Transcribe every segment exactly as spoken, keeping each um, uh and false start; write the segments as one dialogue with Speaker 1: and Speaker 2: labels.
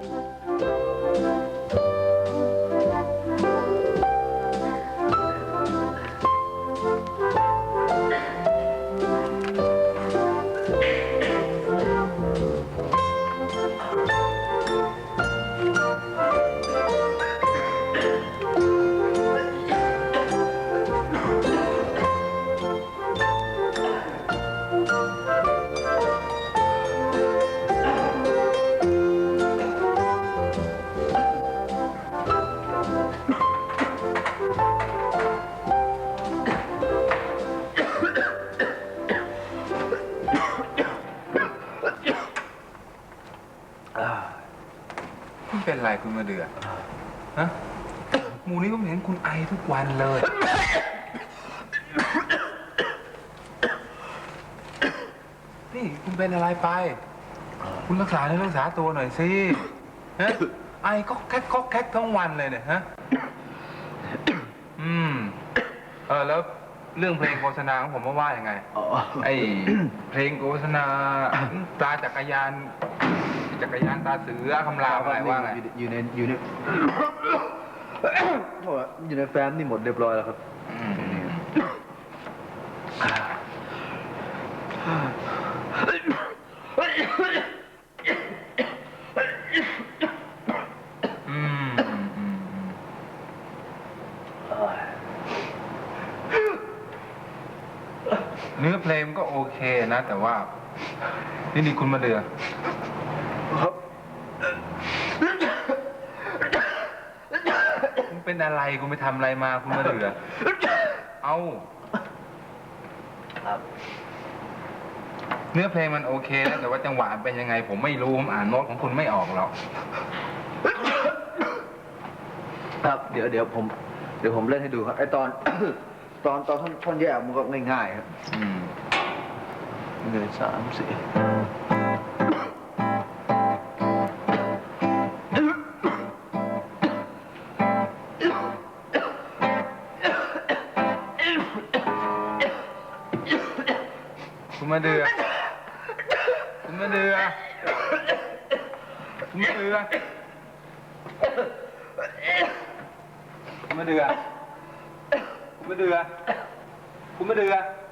Speaker 1: เป็นไรคุณมาเดือฮะหมูนี้ก็เห็นคุณไอทุกวันเลยนี่คุณเป็นอะไรไปคุณรักษาเนื้อรักษาตัวหน่อยสิฮะไอก็แก๊กก็แก๊กทั้งวันเลยเนี่ยฮะอืมเออแล้วเรื่องเพลงโฆษณาของผมว่าว่ายังไงไอเพลงโฆษณาตาจักรยานจักรยานตาเสือคำรามอะไรว่าไง
Speaker 2: อยู่ในอยู่ในอยู่ในแฟ้มนี่หมดเรียบร้อยแล้วครับ
Speaker 1: เนื้อเพลงก็โอเคนะแต่ว่านี่นี่คุณมาเดือคุณเป็นอะไรคุณไปทำอะไรมาคุณมาเดือเอาเนื้อเพลงมันโอเคนะแต่ว่าจังหวะเป็นยังไงผมไม่รู้ผมอ่านโน้ตของคุณไม่ออกหรอก
Speaker 2: ครับเดี๋ยวเดี๋ยวผมเดี๋ยวผมเล่นให้ดูครับไอตอนตอนตอนท่อนแยกมันก็ง่ายๆครับหนึ่งสามสี่
Speaker 1: คุณมาเดือคุณมาเดือคุณมาเดือคุณมาเดือคุณมาเดือคุณมาเดือ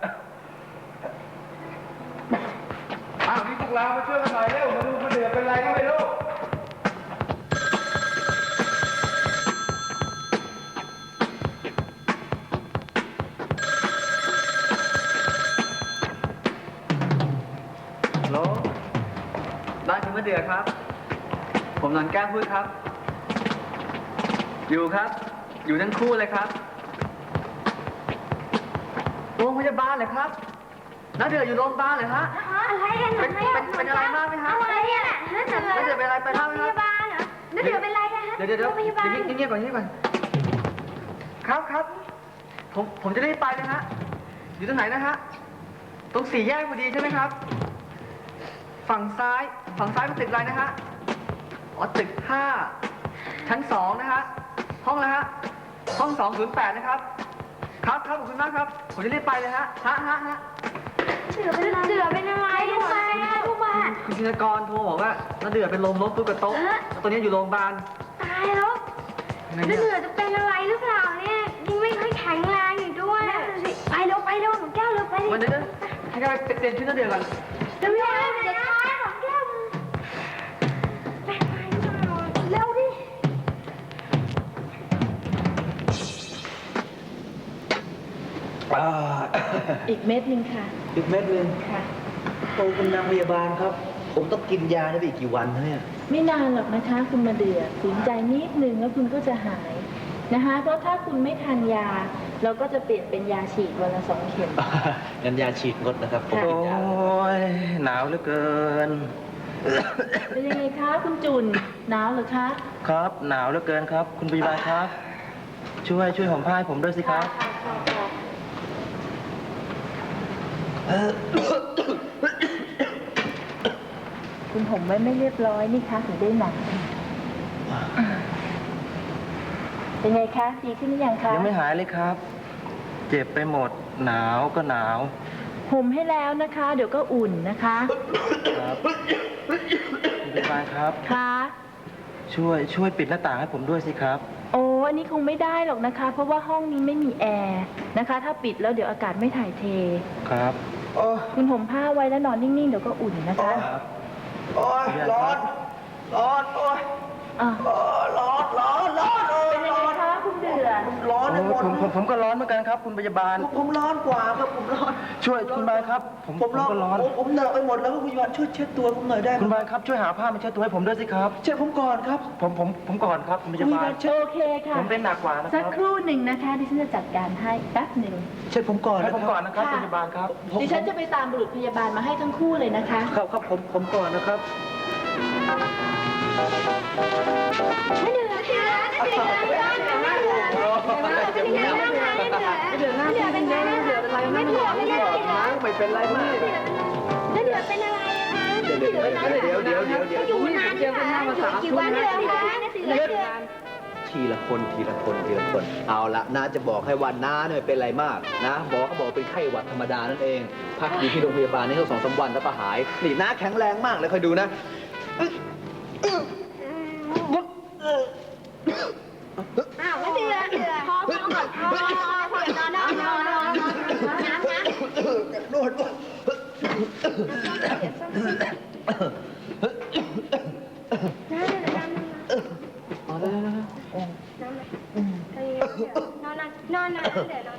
Speaker 1: อ้าวนี่พวกเรามาช่วยกันหน่อยเร็วมาดูคุณเดือเป็นไรก็ไม่รู้
Speaker 2: ฮัลโหลบ้านคุณมะเดือครับผมนอนแก้มพูดครับอยู่ครับอยู่ทั้งคู่เลยครับโรงพยาบาลเลยครับน้าเดืออยู่โรงพยาบาลเลยฮะ
Speaker 3: อะไรกันเป็น
Speaker 2: เป็นอะไรมากไหมฮะ
Speaker 3: อะไรอ่ะน้าเดือน้าเดือเป็นอะไรไปเล่าไหมครับโรงพยาบาลเหรอน้าเดือเป็นอะไรกันฮะ
Speaker 2: เดี๋ยวเดี๋ยวเดี๋ยวเงียบก่อนเงียบก่อนครับครับผมผมจะรีบไปนะฮะอยู่ตรงไหนนะฮะตรงสี่แยกพอดีใช่ไหมครับฝั่งซ้ายฝั่งซ้ายเป็นตึกอะไรนะฮะอ๋อตึกห้าชั้นสองนะฮะห้องนะฮะห้องสองศูนย์แปดนะครับครับครับขอบคุณมากครับผมจะรีบไปเลยฮะฮะฮะฮะ
Speaker 3: เดือเป็นเดือเป็นอะไรลูกบ้านลูกบ้าน
Speaker 2: คุณชินกรโทรบอกว่าน้าเดือเป็นลมล้มตุ๊กโต๊ะตอนนี้อยู่โรงพยาบาล
Speaker 3: ตายแล้วน้าเดือจะเป็นอะไรหรือเปล่าเนี่ยยังไม่ค่อยแข็งแรงอยู่ด้วยไปเร็วไปเร็วหนูแก้วเร็วไป
Speaker 2: วันนี้ให้กันไปเปลี่ยนชุดน้าเดือก่อน
Speaker 3: เร็วเร็วเดี๋ยวช้าของแก้วไปไปเร็วดิ
Speaker 4: อีกเม็ดหนึ่งค่ะ
Speaker 2: อีกเม็ดหนึ่ง
Speaker 4: ค่ะ
Speaker 2: โตคุณนางพยาบาลครับผมต้องกินยาได้ไปอีกกี่วันเนี่ย
Speaker 4: ไม่นานหรอกนะคะคุณมาเดือฝืนใจนิดนึงแล้วคุณก็จะหายนะคะเพราะถ้าคุณไม่ทานยาเราก็จะเปลี่ยนเป็นยาฉีดวันละสองเข็ม
Speaker 2: งั้นยาฉีดงดนะครับผมโอ้ยหนาวเหลือเกิน
Speaker 4: เป็นยังไงคะคุณจุนหนาวหรือคะ
Speaker 2: ครับหนาวเหลือเกินครับคุณพยาบาลครับช่วยช่วยห่มผ้าให้ผมด้วยสิครับ
Speaker 4: คุณห่มไว้ไม่เรียบร้อยนี่คะถึงได้หนาวเป็นไงคะดีขึ้นหรือยังคะ
Speaker 2: ยังไม่หายเลยครับเจ็บไปหมดหนาวก็หนาว
Speaker 4: ห่มให้แล้วนะคะเดี๋ยวก็อุ่นนะคะ
Speaker 2: ครับคุณพยาบาลครับ
Speaker 4: ค่ะ
Speaker 5: ช่วยช่วยปิดหน้าต่างให้ผมด้วยสิครับ
Speaker 4: โอ้อันนี้คงไม่ได้หรอกนะคะ เพราะว่าห้องนี้ไม่มีแอร์นะคะ ถ้าปิดแล้วเดี๋ยวอากาศไม่ถ่ายเท
Speaker 5: ครับ
Speaker 2: โอ้ย
Speaker 4: คุณห่มผ้าไว้แล้วนอนนิ่งๆ เดี๋ยวก็อุ่นนะคะ
Speaker 2: โอ้ยร้อน ร้อน โอ้ย
Speaker 4: อ่ะ
Speaker 2: โอ้ยร้อน ร้อน ร้อนโอ้ย
Speaker 4: เป็นยัง
Speaker 2: ร้
Speaker 4: ไง
Speaker 2: อน
Speaker 4: คะคุณเดือ
Speaker 2: ร้อนไปหมด
Speaker 5: ผมผมผมก็ร้อนเหมือนกันครับ คุณพยาบาล
Speaker 2: ผมร้อนกว่าครับ ผมร้อน
Speaker 5: ช่วยคุณบาลครับ ผม
Speaker 2: ผมร้อน
Speaker 5: ก็ร้อน
Speaker 2: ผมผมเหนอะไปหมดแล้วคุณพยาบาลช่วยเช็ดตัวผมหน่อยได้ไหม
Speaker 5: คุณบาลครับช่วยหาผ้ามาเช็ดตัวให้ผมด้วยสิครับ
Speaker 2: เช็ดผมก่อนครับ
Speaker 5: ผมผมผมก่อนครับคุณพยาบาล
Speaker 2: เช็ด
Speaker 4: โอเคค่ะ
Speaker 5: ผมเป็นหนักกว่านะค
Speaker 4: สั
Speaker 5: รั
Speaker 4: ก
Speaker 5: บ
Speaker 4: ครู่หนึ่งนะคะดิฉันจะจัดการให้แป๊บหนึ่ง
Speaker 2: เช็ดผมก่อน
Speaker 5: ให้
Speaker 2: นะ
Speaker 5: ผม
Speaker 2: ค
Speaker 5: ก่
Speaker 2: รั
Speaker 5: อบ นนะครับคุณพยาบาลครับ
Speaker 4: ดิฉันจะไปตามบุรุษพยาบาลมาให้ทั้งคู่เลยนะคะ
Speaker 5: ครับครับผมผมก่อนนะครับ
Speaker 3: ไม่เหนื่อยค่ะไม่เหนื่อยไม่เหนื่อยไม่เหนื่อยไม่เหนื่อยไม่เหนื่อยไม่เหนื่อยไม่เหนื่อยเป็นไงไม่เหนื่อยเป็นไรไม่เหนื่อยไม่เหนื่อย
Speaker 2: ไม่เป็นไรมาก
Speaker 3: ไม่เหนื่อยเป็นอะไรคะ
Speaker 2: เดี๋ยวเดี๋ยวเดี๋ยวเดี๋ยวเดี๋ยวเดี๋ยว
Speaker 3: อยู่นานอยู่ค่ะอยู่กี่วันเดือนคะเดือน
Speaker 6: ทีละคนทีละคนทีละคน เอาละน้าจะบอกให้ว่าน้าเนี่ยไม่เป็นไรมากนะหมอเขาบอกเป็นไข้หวัดธรรมดานั่นเอง พักอยู่ที่โรงพยาบาลนี่เขาสองสามวันแล้วก็หายนี่น้าแข็งแรงมากเลยคอยดูนะ
Speaker 3: อ้าวไม่เดือนพอพอก่อนพอพอนอนนอนนอนนอนน้ำนะ
Speaker 2: นวด
Speaker 3: น้ำเดี๋ยวน้ำน้ำนอนนอนนอนเดี๋ยวนอน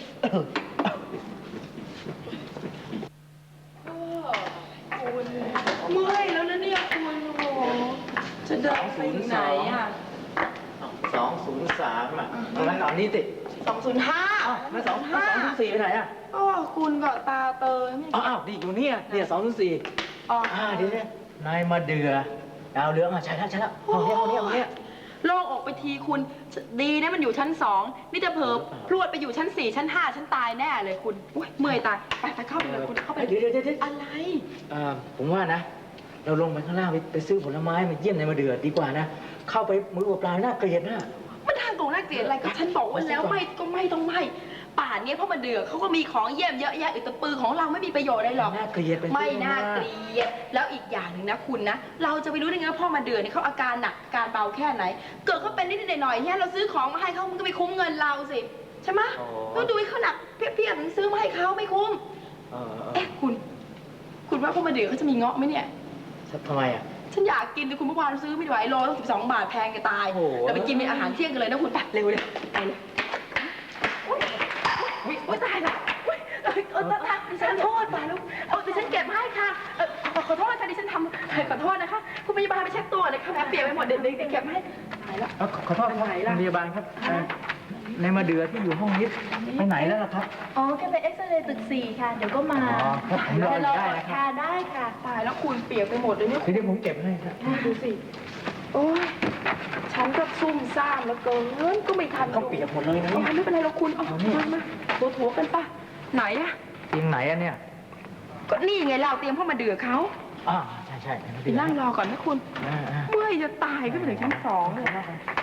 Speaker 7: เมื่อยแล้วนะเนี่ยคุณโอ้โหจะเดินไปไหนอ่ะ
Speaker 6: สองศูนย์สามอ่ะเอางั้นเอานี้ติ
Speaker 7: สองศูนย์ห้า
Speaker 6: ไม่สองสองศูนย์สี่ไปไหนอ่ะ
Speaker 7: โอ้คุณก็ตาเตยไม่
Speaker 6: อ้าวนี่อยู่เนี่ยเนี่ยสองศูนย์สี่
Speaker 7: อ๋อ
Speaker 6: อ่าเดี๋ยวนายมาเดือดาวเรืองอ่ะใช่แล้วใช่แล้วเอาเนี่ยเอาเนี่ยเอาเนี่ย
Speaker 7: โล่งออกไปทีคุณดีนะมันอยู่ชั้นสองนี่จะเผลอพรวดไปอยู่ชั้นสี่ชั้นห้าชั้นตายแน่เลยคุณอุ้ยเมื่อยตายไปไปเข้าไปเลยคุณเข้าไป
Speaker 6: เดี๋ยวเดี๋ยวเดี๋ยวเดี๋ยว
Speaker 7: อะไร
Speaker 6: เอ่อผมว่านะ เราลงไปข้างล่างไปไปซื้อผลไม้มาเยี่ยมนายมาเดือดีกว่านะ เข้าไปมือเปล่าๆน่าเกลียดนะ
Speaker 7: มันทางตรงน่าเกลียดอะไรก็ฉันบอกว่าแล้วไม่ก็ไม่ต้องไม่ป่านเนี้ยเพราะมันเดือดเขาก็มีของเยี่ยมเยอะแยะอึดแตะปือของเราไม่มีประโยชน์อะไรหรอก
Speaker 6: น่าเกลียดไป
Speaker 7: ไม่น่าเกลียดแล้วอีกอย่างหนึ่งนะคุณนะ เราจะไปรู้ได้ไงว่าพ่อมาเดือดเนี่ยเขาอาการหนักอาการเบาแค่ไหน เกิดเขาเป็นนิดๆหน่อยๆเนี่ยเราซื้อของมาให้เขามันก็ไม่คุ้มเงินเราสิใช่ไหมเราดูให้เขาหนักเพียบๆถึงซื้อมาให้เขาไม่คุ้ม
Speaker 6: เออเออ
Speaker 7: เอ๊ะคุณ คุณว่าพ่อมาเดือดเขาจะมีเงาะไหมเนี่ย
Speaker 6: ทำไมอ่ะ
Speaker 7: ฉันอยากกินแต่คุณเมื่อวานซื้อไม่ไหวโลตั้งสิบสองบาทแพงจะตาย
Speaker 6: โอ้โห
Speaker 7: เราไปกินเป็นอาหารเที่ยงกันเลยนะคุณไปเร็วเลยไปเลยอุ๊ยอุ๊ยอุ๊ยตายละอุ๊ยเอ้ยเออตายดิฉันโทษตายแล้วเออดิฉันเก็บให้ค่ะเออขอขอโทษค่ะดิฉันทำขอโทษนะคะคุณพยาบาลไปเช็ดตัวเลยค่ะแผลเปียกไปหมดเดี๋ยวเดี๋ยวเดี๋ยวเก็บให้ตายแล้ว
Speaker 6: เอ้าขอขอโทษครับคุณพยาบาลครับเอ่อนายมาเดือที่อยู่ห้องนี้ไปไหนแล้วล่ะครับ
Speaker 4: อ๋อแค่ไปเอ็กซเรย์ตึกสี่ค่ะ เดี๋ยวก็มา
Speaker 6: อ๋อครับผมรออยู่ได้นะครับ
Speaker 4: ค่ะได้ค่ะ
Speaker 7: ตายแล้วคุณเปียกไปหมดเลยเนี่ย
Speaker 6: เดี๋ยวผมเก็บให้ครับ
Speaker 7: ดูสิโอ้ยฉันก็ซุ่มซ่ามแล้วเกินก็ไม่ทัน
Speaker 6: ต้องเปียกหมดเลยนะ
Speaker 7: เอา
Speaker 6: เนี่ย
Speaker 7: ไม่เป็นไรหรอกคุณเอามามาถัวถัวๆกันป่ะไหนอะ
Speaker 6: เตียงไหนอะเนี่ย
Speaker 7: ก็นี่ไงเราเตรียมพ่อมาเดือเขา
Speaker 6: อ่าใช่ใช่นายมา
Speaker 7: ไป
Speaker 6: เดือ
Speaker 7: นั่งรอก่อนนะคุณ
Speaker 6: อ่าอ่า
Speaker 7: เมื่อยจะตายขึ้นไปถึงชั้นสองเลย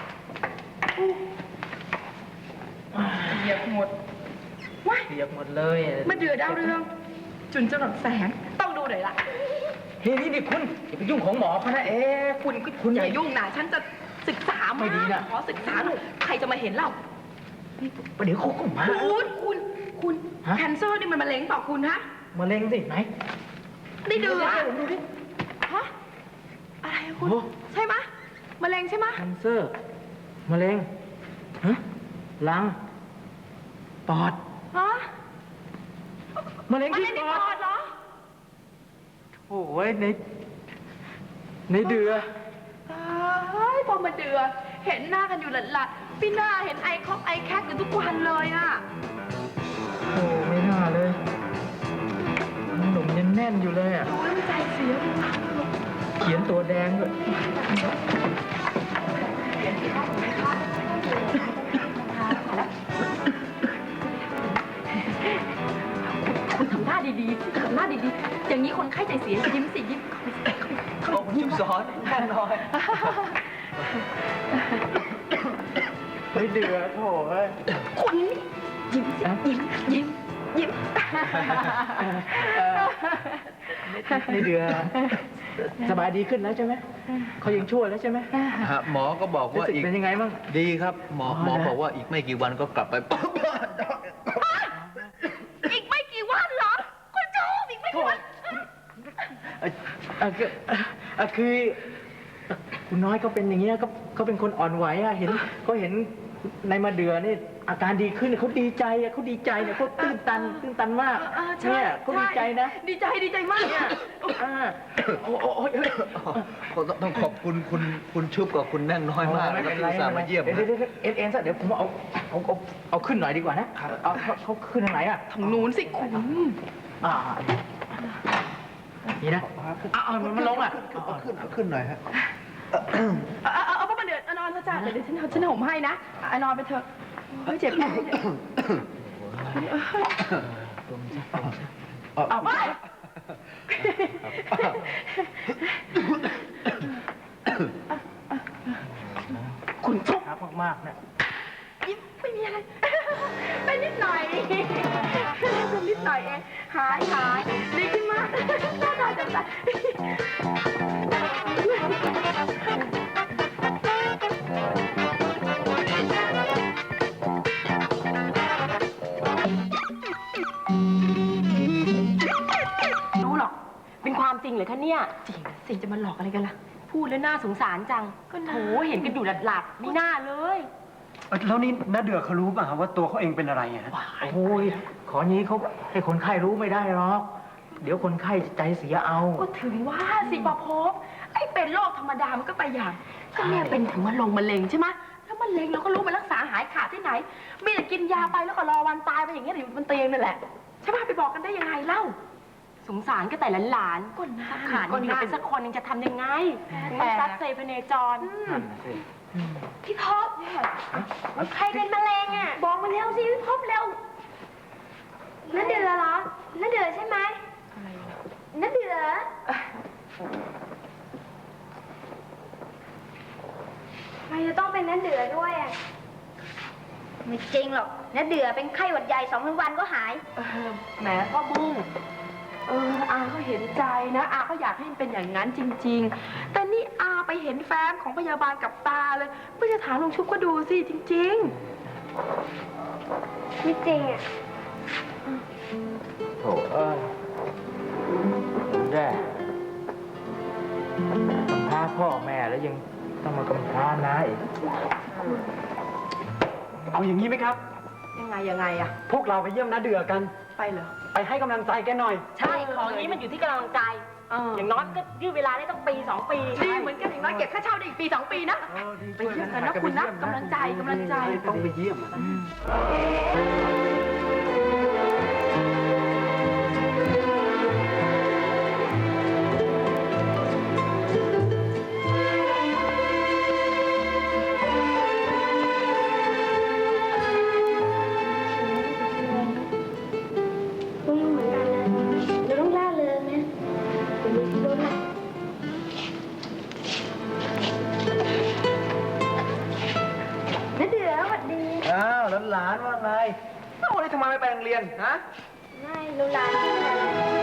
Speaker 7: เหยียบหมดว้าย
Speaker 6: เปียกหมดเลย
Speaker 7: มาเดือดาวเรือง จุนจรดแสงต้องดูหน่อยละ
Speaker 6: นี่นี่นี่คุณอย่าไปยุ่งของหมอเขานะเอ๊ะ
Speaker 7: คุณคุณอย่ายุ่งนะฉันจะศึกษา
Speaker 6: ไม่ดีนะ
Speaker 7: ขอศึกษาหน่อยใครจะมาเห็นเรา
Speaker 6: ประเดี๋ยวเขาก็มา
Speaker 7: คุณคุณคุณ
Speaker 6: ฮะ
Speaker 7: แคนเซอร์นี่มันมะเร็งเปล่าคุณฮะ
Speaker 6: มะเร็งสิไหน
Speaker 7: ได้เดือด
Speaker 6: เดี๋ยวดูดิ
Speaker 7: ฮะอะไรอะคุณ
Speaker 6: โอ้
Speaker 7: ใช่ไหมะมะเร็งใช่ไหมะ
Speaker 6: แคนเซอร์มะเร็งฮะลังปอด
Speaker 7: ฮะ
Speaker 6: มะเร็ง
Speaker 7: มะ
Speaker 6: ที่
Speaker 7: เร็งใน
Speaker 6: ป
Speaker 7: ป
Speaker 6: อ
Speaker 7: อ
Speaker 6: ด
Speaker 7: ดเหรอ
Speaker 6: โอ้ยในในเดือ
Speaker 7: ตายพอมาเดือดเห็นหน้ากันอยู่หลัดๆพี่หน้าเห็นไอคอกไอแคกอยู่ทุกวันเลยอะ
Speaker 6: โอ้ไม่น่าเลยหนุ่มยังแน่นอยู่เลยอ่ะ
Speaker 7: ดูแล้วมันใจเสียเลยว่ะ
Speaker 6: เขียนตัวแดงด้วย
Speaker 7: คุณทำหน้าดีๆทำหน้าดีๆ อย่างนี้คนไข้ใจเสียยิ้มสิยิ้ม
Speaker 6: โอ้ยิ้มซ้อนแน่นอนไม่เดือดโถ่เอ้ย
Speaker 7: คุณนี่ยิ้มสิยิ้มยิ้มยิ้ม
Speaker 6: เ
Speaker 5: ในเดือสบายดีขึ้นแล้วใช่ไหมเขายังชั่วแล้วใช่ไหม
Speaker 6: ฮะหมอก็บอก
Speaker 5: รู้
Speaker 6: ว่า
Speaker 5: สึก
Speaker 6: อีก
Speaker 5: เป็นยังไงบ้าง
Speaker 6: ดีครับ หมอหมอบอกว่าอีกไม่กี่วันก็กลับไป
Speaker 7: อีกไม่กี่วันเหรอ คุณจูอีกไม่กี่วัน
Speaker 5: เอ่อเอ่อคือเอ่อคือคุณน้อยเขาเป็นอย่างเงี้ยเขาเขาเป็นคนอ่อนไหวอะเห็นเขาเห็นในมาเดือนี่อาการดีขึ้นเขาดีใจอะเขาดีใจเนี่ยเขาตื้นตันตื้นตันมาก
Speaker 7: เออใช่
Speaker 5: เนี่ยเขาดีใจนะ
Speaker 7: ดีใจดีใจมากเนี่ย
Speaker 5: อ่าโอ้โอ้โอ้ยเอ้ย
Speaker 6: ต้องต้องขอบคุณคุณคุณชุบกับคุณแน่งน้อยมาก
Speaker 5: ไม่
Speaker 6: นะครับ
Speaker 5: เป็นไร
Speaker 6: ที่อุตส่าห์มาเยี่ยม
Speaker 5: เดี๋ยวเดี๋ยวเดี๋ยวเอ็นเอ็นซะเดี๋ยวผมเอาเอาเอาเอาขึ้นหน่อยดีกว่านะเอาเขาเขาขึ้นทางไหนอะ
Speaker 7: ทางนู้นสิคุณ
Speaker 5: อ่านี่นะเอาเอามันมันลงอ่ะ
Speaker 6: เอาขึ้นเอาขึ้นหน่อยฮะ
Speaker 7: เอาเอาเอาเอามาเดือดนอนเถอะจ้าเดี๋ยวเดี๋ยวฉันฉันห่มให้นะเอานอนไปเถอะเฮ้ยเจ็บแผลเอาไปคุณชุบ
Speaker 5: ครับมากๆนะ
Speaker 7: ยิ้มไม่มีอะไร เป็นนิดหน่อยเป็นนิดหน่อยเองหายหายดีขึ้นมากน่าตาจังใจรู้หรอกเป็นความจริงเหรอคะเนี่ยจริงสิจะมาหลอกอะไรกันล่ะพูดแล้วน่าสงสารจังก็โถเห็นกันอยู่หลัดๆไม่น่าเลย
Speaker 5: แล้วนี่น้าเดือเขารู้ป่ะว่าตัวเขาเองเป็นอะไรอ่ะโอ้ยของี้เขาให้คนไข้รู้ไม่ได้หรอกเดี๋ยวคนไข้ใจเสียเอา
Speaker 7: ก็ถึงว่าสิประพบไอ้เป็นโรคธรรมดามันก็ไปอย่างก็แม่เป็นถึงมะลงมะเร็งใช่ไหมแล้วมะเร็งเราก็รู้มันรักษาหายขาดที่ไหนมีแต่กินยาไปแล้วก็รอวันตายไปอย่างเงี้ยอยู่บนเตียงนั่นแหละใช่ป่ะไปบอกกันได้ยังไงเล่าสงสารก็แต่หลานๆก็น่าขาดคนเป็นสักคนนึงจะทำยังไงถึงมันซัดเซพเนจรพี่พบใครเป็นมะเร็งอ่ะบอกมาเร็วสิพี่พบเร็ว
Speaker 3: นั่นเดือเหรอนั่นเดือใช่ไหมนั่นเดือทำไมจะต้องเป็นนั่นเดือด้วยอ่ะไม่จริงหรอกนั่นเดือเป็นไข้หวัดใหญ่สองวันก็หาย
Speaker 7: เออแหมพ่อบุ้งเอออาก็เห็นใจนะอาก็อยากให้มันเป็นอย่างนั้นจริง ๆ แต่นี่อาไปเห็นแฟ้มของพยาบาลกับตาเลยไม่จะถามลุงชุบก็ดูสิจริง
Speaker 3: ไม่จริงอ่ะ
Speaker 5: โถเอ้ยแย่กำพร้าพ่อแม่แล้วยังต้องมากำพร้าน้าอีก เอาอย่างนี้ไหมครับ
Speaker 7: ๆ ยังไงยังไงอะ
Speaker 5: พวกเราไปเยี่ยมน้าเดือกัน
Speaker 7: ไปเหรอ
Speaker 5: ไปให้กำลังใจแกหน่อย
Speaker 7: ใช่ ของนี้มันอยู่ที่กำลังใจ อย่างน้อยก็ยืดเวลาได้ต้องปีสองปีดีเหมือนกันอย่างน้อยเก็บค่าเช่าได้อีกปีสองปีนะ ไปเยี่ยมกันนะคุณนะกำลังใจกำลังใจ
Speaker 5: ต้องไปเยี่ยม
Speaker 3: ต้องเหมือนกันนะเราต้องล่าเริงนะเดี๋ยวมีพิรุธนะนั่นเดือสวัสดี
Speaker 6: อ้าวหลานๆว่าไง
Speaker 5: เอ้าวันนี้ทำไมไม่ไปโรงเรียนฮะ
Speaker 3: ไม่รู้ร้านที่ไหน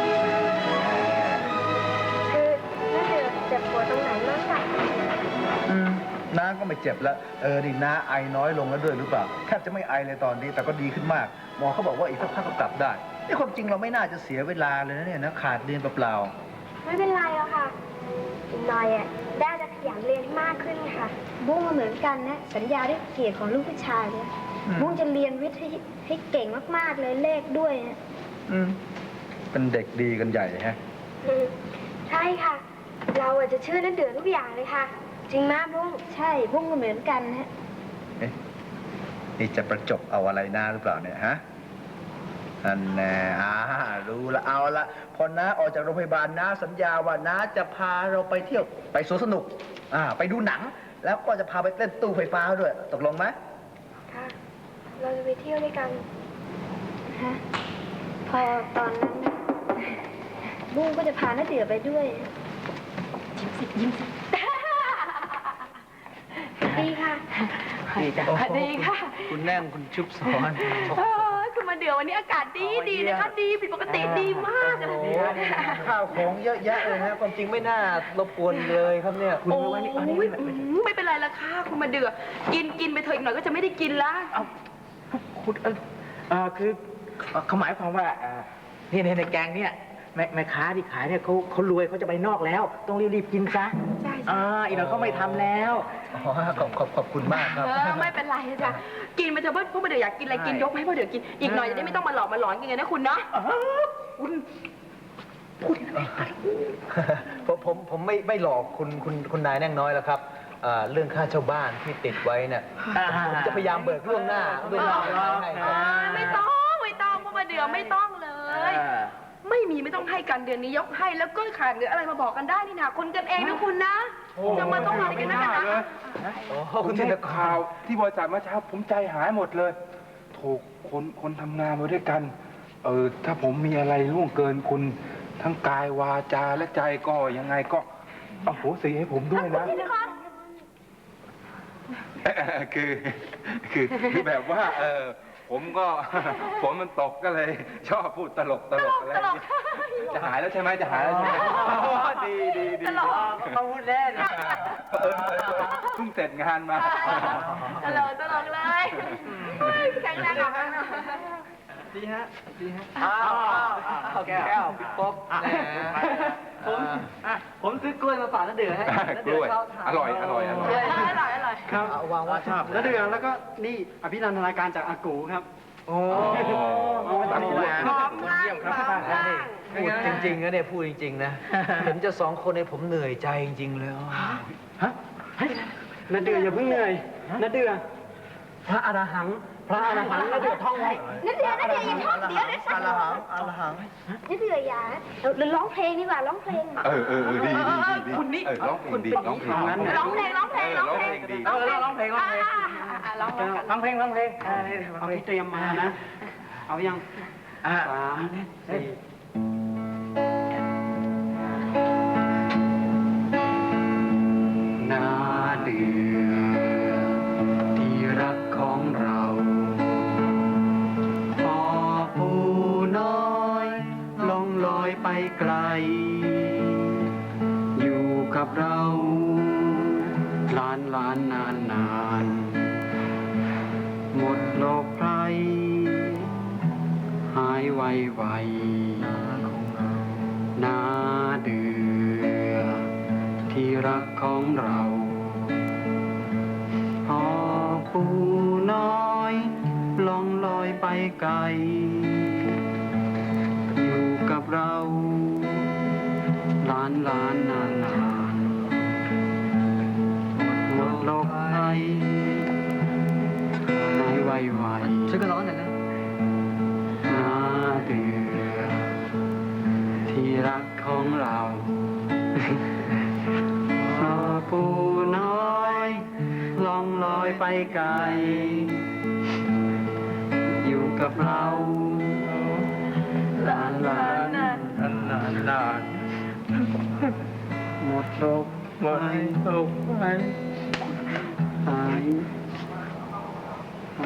Speaker 3: คือนั่นเดือเจ็บปวดตรงไหนมากค่ะ
Speaker 6: อืมน้าก็ไม่เจ็บแล้ว เออดิน้าไอน้อยลงแล้วด้วยหรือเปล่าแทบจะไม่ไอเลยตอนนี้ แต่ก็ดีขึ้นมาก หมอเขาบอกว่าอีกสักพักก็กลับได้นี่ความจริงเราไม่น่าจะเสียเวลาเลยนะเนี่ยนะขาดเรียนเปล่า
Speaker 3: ไม่เป็นไรหรอกค่ะอีกหน่อยอ่ะได้จะขยันเรียนให้มากขึ้นค่ะ บุ้งก็เหมือนกันนะ สัญญาด้วยเกียรติของลูกผู้ชายเนี่ย
Speaker 6: อืม
Speaker 3: บุ้งจะเรียนวิทย์ให้ให้เก่งมากๆเลยเลขด้วยนะ
Speaker 6: ๆอืมเป็นเด็กดีกันใหญ่ฮะ
Speaker 3: อืมใช่ค่ะ เราอาจจะเชื่อนั่นเดือดทุกอย่างเลยค่ะ จริงมากบุ้งใช่บุ้งก็เหมือนกันนะ
Speaker 6: เอ๊ะนี่จะประจบเอาอะไรน้าหรือเปล่าเนี่ยฮะอันแน่อ่ารู้ละเอาละพอน้าออกจากโรงพยาบาลน้าสัญญาว่าน้าจะพาเราไปเที่ยวไปสวนสนุก อ่า ไปดูหนัง แล้วก็จะพาไปเต้นตู้ไฟฟ้าด้วย ตกลงไหม
Speaker 3: ค่ะ เราจะไปเที่ยวด้วยกันฮะพอตอนนั้นน่ะบุ้งก็จะพาน้าเดือไปด้วย
Speaker 7: ยิ้มสิยิ้มสิ
Speaker 3: ดีค่ะ
Speaker 5: ดีจ้ะ
Speaker 7: ดีค่ะ
Speaker 6: คุณแน่งคุณชุบสอน
Speaker 7: เออคุณมาเดืออวันนี้อากาศดีดีนะคะ ดีผิดปกติดีมากเลย
Speaker 6: ข้าวของเยอะแยะเลยนะความจริงไม่น่ารบกวนเลยครับเนี่ยคุณ
Speaker 7: โอ้
Speaker 6: วันนี้
Speaker 7: ยไม่เป็นไรละค่ะคุณมาเดือกินกินไปเถอะอีกหน่อยก็จะไม่ได้กินละ
Speaker 5: เอาคุณเอ่อเอ่อคือเอ่อเขาหมายความว่าเอ่อนี่ในในแกงเนี่ยแม่แม่ค้าที่ขายเนี่ยเขาเขารวยเขาจะไปนอกแล้ว ต้องรีบๆกินซะ
Speaker 7: ใช่
Speaker 5: อ่าอีกหน่อยเขาไม่ทำแล้ว
Speaker 6: อ๋อขอบขอบขอบคุณมากครับ
Speaker 7: เออไม่เป็นไรจ้ะกินไปเถอะเพราะพวกมาเดืออยากกินอะไรกินยกให้พ่อเดือกินอีกหน่อยจะได้ไม่ต้องมาหลอกมาหลอนกันไงนะคุณเนาะ
Speaker 5: คุณ
Speaker 6: ผมผมผมไม่ไม่หลอกคุณคุณคุณนายแน่งน้อยแล้วครับเอ่อเรื่องค่าเช่าบ้านที่ติดไว้เนี่ยผมจะพยายามเบิกล่วงหน้าล่วงหน้าให้ครับ
Speaker 7: ไม่ต้องไม่ต้องพ่อมาเดือไม่ต้องเลย ไม่มีไม่ต้องให้กันเดือนนี้ยกให้แล้วก็ขาดเหลืออะไรมาบอกกันได้นี่นะคนกันเองนะคุณนะจะมาต้องอะไรกันนะกันนะ
Speaker 6: โอ้
Speaker 1: คุ
Speaker 6: คุณ ณ
Speaker 1: ได้
Speaker 6: ธินก
Speaker 1: ข่าร วที่บริษัทเมื่อเช้าผมใจหายหมดเลย ถูกคนคนทำงานมาด้วยกัน เออถ้าผมมีอะไรล่วงเกินคุณทั้งกายวาจาและใจก็ยังไงก็เอาโหสิให้ผมด้วยนะ คือคือคือแบบว่า เออผมก็ ฝนมันตกก็เลย ชอบพูดตลกตลกอะไรอย่างเงี้ยจะหายแล้วใช่ไหมจะหายแล้วใช่ไหมอ๋อดีดีดี
Speaker 7: ตลก
Speaker 5: เขาพูดเล่น
Speaker 1: เออเออเออเพิ่งเสร็จงานมา
Speaker 7: ตลกตลกเลยแข็งแรงออกมา
Speaker 2: ดีฮะ ดีฮะ
Speaker 6: อ้าวอ้าวแก้วพี่ป๊อบแหม
Speaker 2: ผมอ่ะผมซื้อกล้วยมาฝากน้าเดือให้น้าเดื
Speaker 1: กล้วย
Speaker 2: เข้าทาน
Speaker 1: อร่อยอร่อยอร่อย
Speaker 7: อร่อยอร่อย
Speaker 2: ครับ
Speaker 6: เอาวางไว้
Speaker 2: ชอบน้าเดือแล้วก็นี่อภินันทนาการจากอากูครับ
Speaker 6: โอ้
Speaker 2: เอาไว้ตัดหัว
Speaker 7: พร้อมล่างพร้อมล่าง
Speaker 6: พูดจริงๆนะเนี่ยพูดจริงๆนะผมจะสองคนเนี่ยผมเหนื่อยใจจริงๆเลย
Speaker 2: ฮะเฮ้ยน้าเดืออย่าเพิ่งเหนื่อยน้าเดือพระอรหังพระอรหังน้าเดือท่องไว้
Speaker 3: นั่นเดือนั่นเดืออย่าท่องเดี๋ยวเดี๋ยวฉั
Speaker 6: อาน ละหังอาละหัง
Speaker 3: นั่นเดืออย่าเราร้องเพลงดีกว่าร้องเพลง
Speaker 1: เออเออเออดีดีดีดี
Speaker 7: คุณนี่
Speaker 1: เออร้องเพลงดีร้องเพลง
Speaker 7: ร้องเพลงร้องเพลง
Speaker 1: เออร้องเพลงดี
Speaker 5: เออร้องเพลงร้องเพลง
Speaker 7: ร้องเพลง
Speaker 5: ร้องเพลงร้องเพลงอ่านี่ร้อง
Speaker 2: เอา
Speaker 5: เพลง
Speaker 2: ที่เตรียมมานะ เอายัง
Speaker 5: อ่า
Speaker 2: สามสี่นาเดือที่รักของเราพอปูน้อยลองลอยไปไกล อยู่กับเราล้านล้านนานนานหมดโลกภัยหายไวไวนาเดือที่รักของเราพอปูน้อยลองลอยไปไกล อยู่กับเราล้านล้านนานนานหมดโลกภัยหายไวไว
Speaker 6: ช่วยกันร้องหน่อยนะ
Speaker 2: นาเดือที่รักของเราพอปูน้อยลองลอยไปไกล อยู่กับเราลานลาน
Speaker 5: นานนานนาน
Speaker 2: หมดโลก
Speaker 5: หมดโลกไป
Speaker 2: หายหาย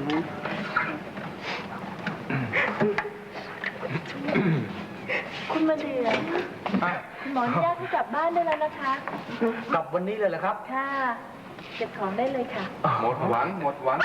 Speaker 4: คุณมาเดือคุณหมออนุญาตให้กลับบ้านได้แล้วนะคะ
Speaker 6: กลับวันนี้เลยเหรอครับ
Speaker 4: ค่ะ เก็บของได้เลยค่ะ
Speaker 1: หมดหวังหมดหวัง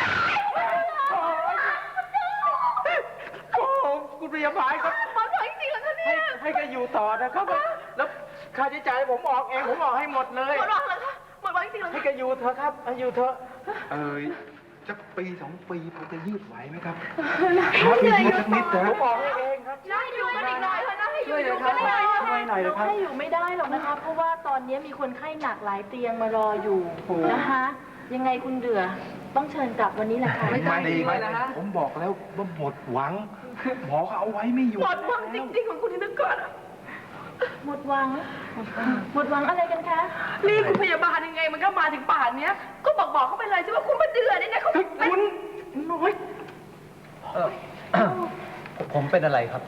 Speaker 5: โอ้คุณพยาบาลครับ
Speaker 7: หมอสวยจริงๆเหรอคะเนี่
Speaker 5: ให้
Speaker 7: ย
Speaker 5: ให้แกอยู่ต่อนะครับ แล้วค่าใช้จ่ายผมออกเองผมออกให้หมดเลย
Speaker 7: หมดหวังเหรอคะหมดหวังจริงๆเหรอ
Speaker 5: ให้
Speaker 7: คะ
Speaker 5: แกอยู่เถอะครับให้อยู่เถอะ
Speaker 1: เออจะปีสองปีพอจะยืดไหวไหมครับ
Speaker 7: เหนื่อยอยู่
Speaker 1: สักนิดนะ
Speaker 5: ผมออกให้เองครับ
Speaker 7: น่าอยู่กันอีกหน่อยเถอะนะให้อยู่อยู่กันหน่อย
Speaker 2: ช่วยหน่อยเลยครับ
Speaker 4: ให้อยู่ไม่ได้หรอกนะคะ เพราะว่าตอนนี้มีคนไข้หนักหลายเตียงมารออยู่นะคะ ยังไงคุณเดือต้องเชิญกลับวันนี้แหละค่ะ
Speaker 1: มาดีไหมผมบอกแล้วว่าหมดหวัง หมอเขาเอาไว้ไม่อยู่
Speaker 7: หมดหวังจริงๆของคุณธินกรอะ
Speaker 4: หมดหวัง หมดหวังอะไรกันคะ
Speaker 7: นี่คุณพยาบาลยังไงมันก็มาถึงป่านเนี้ย ก็บอกบอกเขาไปเลยใช่ว่าคุณมาเดือดนี่นะเขาเป็น
Speaker 2: น้อย
Speaker 6: เออ ผมเป็นอะไรครับ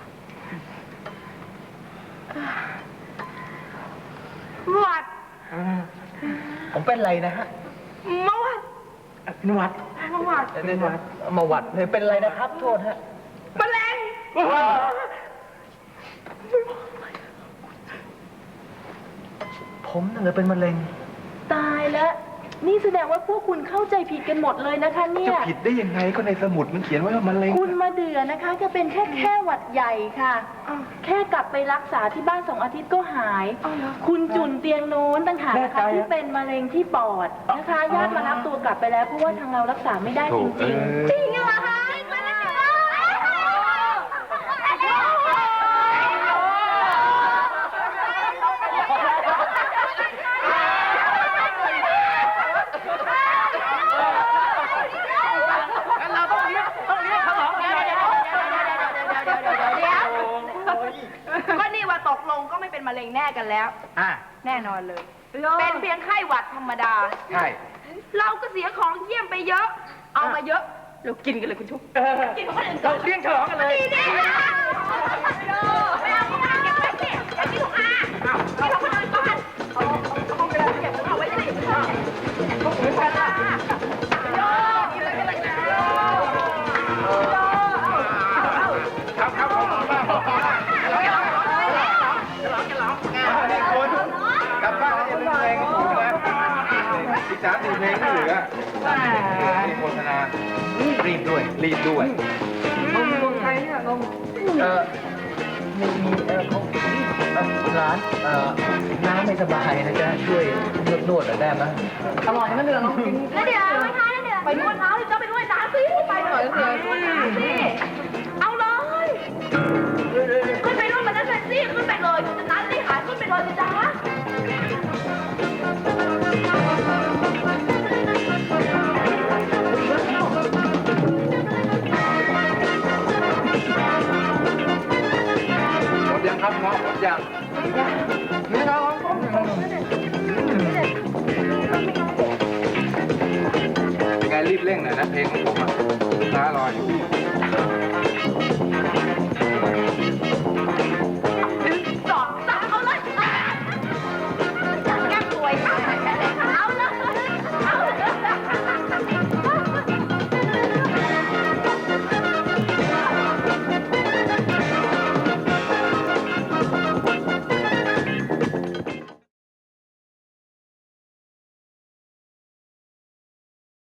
Speaker 7: หวัด
Speaker 6: ผมเป็นอะไรนะฮะ
Speaker 7: มาหวัด
Speaker 5: นวัด
Speaker 7: มาหวัด
Speaker 6: เดี๋ยวๆมาหวัดเลยเป็นอะไรนะครับ โทษฮะ
Speaker 7: มะเร็ง
Speaker 5: ผมน่ะเลยเป็นมะเร็ง
Speaker 4: ตายแล้ว นี่แสดงว่าพวกคุณเข้าใจผิดกันหมดเลยนะคะเนี่
Speaker 1: จะ
Speaker 4: ย
Speaker 1: ผิดได้ยังไงก็ในสมุดมันเขียนไว้ว่ามะเร็ง
Speaker 4: คุณมาเดือนะคะจะเป็นแค่แค่หวัดใหญ่ค่ะ แค่กลับไปรักษาที่บ้านสองอาทิตย์ก็หาย คุณจุนเตียงโน้นต่างหากนะคะที่เป็นมะเร็งที่ปอดนะคะญาติมารับตัวกลับไปแล้วเพราะว่าทางเรารักษาไม่ได้จริง
Speaker 1: โถ่
Speaker 4: ๆ
Speaker 1: เอ้ย
Speaker 3: จริงเหรอคะมาแล้วสิ
Speaker 5: เราต้องเลี้ยงต้องเลี้ยงฉลองกัน
Speaker 7: เดี๋ยวก็นี่ว่าตกลงก็ไม่เป็นมะเร็งแน่กันแล้ว
Speaker 5: อ่ะ
Speaker 7: แน่นอนเลย เป็นเพียงไข้หวัดธรรมดา
Speaker 1: ใช่
Speaker 7: เราก็เสียของเยี่ยมไปเยอะ เอามาเยอะ เรากินกันเลยคุณชุบ
Speaker 5: เออ
Speaker 7: กินของคนอื่นก่
Speaker 5: เรา
Speaker 7: อน
Speaker 5: เลี้ยงฉลองกันเลย
Speaker 7: ดีดีไม่เอาไม่เอาเก็บไว้สิอย่ากินของอากินของคนอื่นก่อนเอาเอาของไปเลยเก็บเอาไว้สิของอื่นก่อนละโยกินเลยกันเลยนะโย
Speaker 1: ครับครับผมมาบอกมานี่คุณกลับบ้านแล้วอย่าลืมเพลงของผมนะอีกสามสี่เพลงที่เหลือนี่โฆษณารีบด้วย รีบด้วย
Speaker 2: นมนมไทยเนี่ยนม
Speaker 5: เออมีมีเออเขาเอ่อร้านเอ่อน้าไม่สบายนะจ๊ะช่วยนวดนวดหน่อยได้ไหม
Speaker 2: อร่อยนะเดือน้องกิน
Speaker 3: แล้วเดี๋ยวไม่ทานแล้วเดี๋ยว
Speaker 7: ไปนวดเท้าสิเจ้าไปนวดน้ำสิไปหน่อยสินวดน้ำสิเอาเลยขึ้นไปนวดมันนั่นเลยสิขึ้นไปเลยคุณจะนัดสิหาขึ้นไปเลยสิจ้า
Speaker 1: หมดยังครับเงาะหมดยัง
Speaker 2: นี่เรา
Speaker 1: เป็นไงรีบเร่งหน่อยนะเพลงของผมอ่ะ